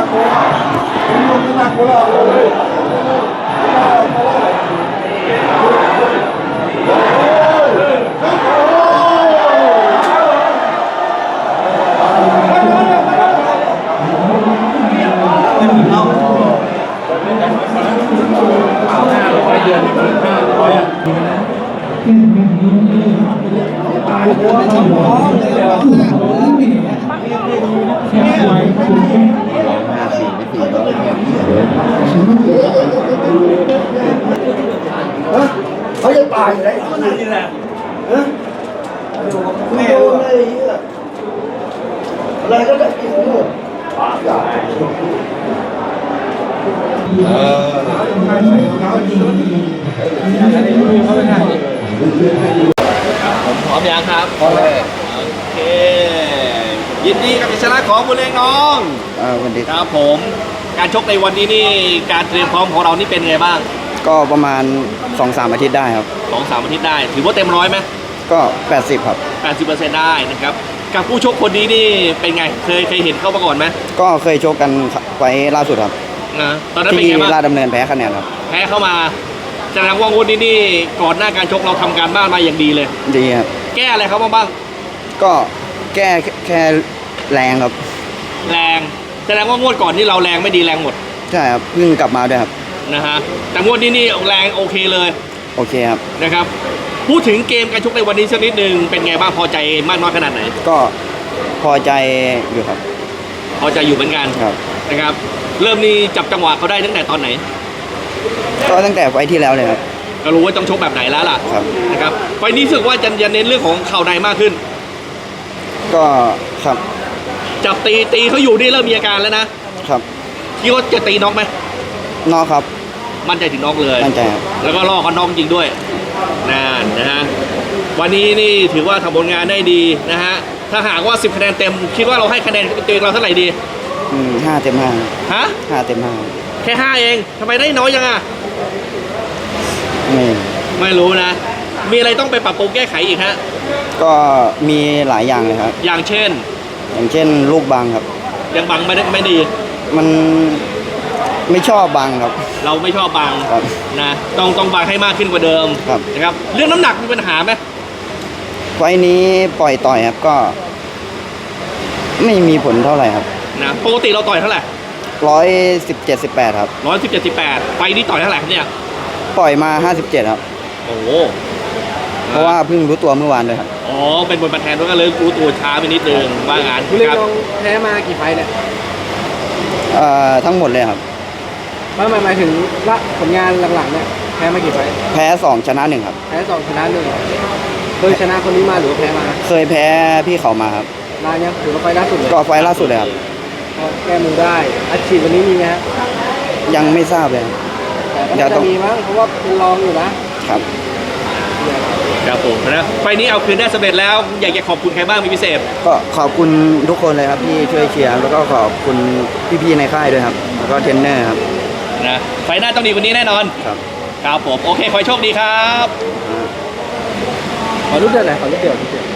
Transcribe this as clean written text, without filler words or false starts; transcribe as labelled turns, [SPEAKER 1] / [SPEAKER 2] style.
[SPEAKER 1] เขาจะตายเลยนี่แหละไม่โดนเลยอะไรก็ได้กินหมด
[SPEAKER 2] ผมพร้อมยังครับโอเคยินดีกับชัยชนะของบุญเรงน้อง
[SPEAKER 3] วันดี
[SPEAKER 2] ครับผมการชกในวันนี้นี่การเตรียมพร้อมของเรานี่เป็นไงบ้าง
[SPEAKER 3] ก็ประมาณ 2-3 อาทิตย์ได้ครับ
[SPEAKER 2] 2-3 อาทิตย์ได้ถือว่าเต็มร้อยไหม
[SPEAKER 3] ก็80ครับ
[SPEAKER 2] 80%ได้นะครับกับผู้ชกคนนี้นี่เป็นไงเคยเห็นเข้ามาก่อนไหม
[SPEAKER 3] ก็เคยชกกันไว้ล่าสุดครับ
[SPEAKER 2] นะตอนนั้นเป็นไงบ้าง
[SPEAKER 3] ที่ราชดำเนินแพ้คะแนนครับ
[SPEAKER 2] แพ้เข้ามาแสดงว่าวันนี้นี่ก่อนหน้าการชกเราทำการบ้านมาอย่างดีเลย
[SPEAKER 3] ดีครับ
[SPEAKER 2] แก้อะไรเขาบ้าง
[SPEAKER 3] ก็แก้แค่แรงครับ
[SPEAKER 2] แรงแสดงว่างวดก่อนนี่เราแรงไม่ดีแรงหมด
[SPEAKER 3] ใช่ครับเพิ่งกลับมาด้วยครับ
[SPEAKER 2] นะฮะแต่งวดนี้นี่แรงโอเคเลย
[SPEAKER 3] โอเคครับ
[SPEAKER 2] นะครับพูดถึงเกมการชกในวันนี้สักนิดนึงเป็นไงบ้างพอใจมากน้อยขนาดไหน
[SPEAKER 3] ก็พอใจอยู่ครับ
[SPEAKER 2] พอใจอยู่เหมือนกัน
[SPEAKER 3] ครับ
[SPEAKER 2] นะครับเริ่มนี่จับจังหวะเขาได้ตั้งแต่ตอนไหน
[SPEAKER 3] ก็ตั้งแต่ไฟที่แล้วเลยครับ
[SPEAKER 2] ก็รู้ว่าต้องชกแบบไหนแล้วล่ะนะครับไฟนี้รู้สึกว่าจะเน้นเรื่องของเข่าในมากขึ้น
[SPEAKER 3] ก็ครับ
[SPEAKER 2] จับตีเขาอยู่นี่เริ่มมีอาการแล้วนะครับคิดว่าจะตีน็อกไหม
[SPEAKER 3] น็อกครับ
[SPEAKER 2] มั่นใจถึงน็อกเลย
[SPEAKER 3] มั่นใจครับ
[SPEAKER 2] แล้วก็ล่อเขาน็อกจริงด้วยนะฮะวันนี้นี่ถือว่าทำผลงานได้ดีนะฮะถ้าหากว่า10 คะแนนเต็มคิดว่าเราให้คะแนนตัวเองเราเท่าไหร่ดี
[SPEAKER 3] 5 เต็ม 5ฮะ5 เต็ม 5
[SPEAKER 2] แค่5เองทำไมได้น้อยจังอ่ะไม่รู้นะมีอะไรต้องไปปรับปรุงแก้ไขอีกฮะ
[SPEAKER 3] ก็มีหลายอย่างเลยครับ
[SPEAKER 2] อย่างเช่น
[SPEAKER 3] ลูกบังครับ
[SPEAKER 2] ยังบังไม่ดี
[SPEAKER 3] มันไม่ชอบบังครับ
[SPEAKER 2] เราไม่ชอบบังนะต้องบังให้มากขึ้นกว่าเดิมนะครับเรื่องน้ำหนักมีปัญหาไหม
[SPEAKER 3] ไฟนี้ปล่อยต่อยครับก็ไม่มีผลเท่าไหร่ครับ
[SPEAKER 2] นะปกติเราต่อยเท่าไหร่
[SPEAKER 3] 117-18ครับ
[SPEAKER 2] 117-18ไฟนี้ต่อยเท่าไหร่ครับเนี่ย
[SPEAKER 3] ปล่อยมา57ครับ
[SPEAKER 2] โอ้
[SPEAKER 3] เพราะว่าเพิ่งรู้ตัวเมื่อวานเลยครับ
[SPEAKER 2] อ๋อเป็นบทบาทแทนด้วยกันเลยรู้ตัวช้าไปนิดนึงว่างาน
[SPEAKER 1] คุณเล็กลองแพ้มากี่ไฟเนี่ย
[SPEAKER 3] ทั้งหมดเลยครับ
[SPEAKER 1] หมายถึงละผลงานหลังๆเนี่ยแพ้มากี่ไฟ
[SPEAKER 3] แพ้2ชนะ1ครับ
[SPEAKER 1] แพ้2ชนะ1เคยชนะคนนี้มาหรือแพ้มา
[SPEAKER 3] เคยแพ้พี่เขามาครับ
[SPEAKER 1] นานยังถือว่าไฟล่าสุดเลย
[SPEAKER 3] ก็ไฟล่าสุดเลยครับ
[SPEAKER 1] แก้มือได้อัดฉีดวันนี้มีไหมครับ
[SPEAKER 3] ยังไม่ทราบเลย
[SPEAKER 1] แต่ก็จะมีมั้งเพราะว่าเป็นรองอยู่นะครับ
[SPEAKER 2] ผมนะไฟนี้เอาคืนได้สำเร็จแล้วอยากจะขอบคุณใครบ้างมีพิเศษ
[SPEAKER 3] ก็ขอบคุณทุกคนเลยครับที่ช่วยเชียร์แล้วก็ขอบคุณพี่ๆในค่ายด้วยครับแล้วก็เทรนเนอร์ครับ
[SPEAKER 2] นะไฟหน้าต้องดีกว่านี้แน่นอนครับผมโอเคขอโชคดีครับ
[SPEAKER 1] ขอรูปเดียวหน่อยขอรูปเดียว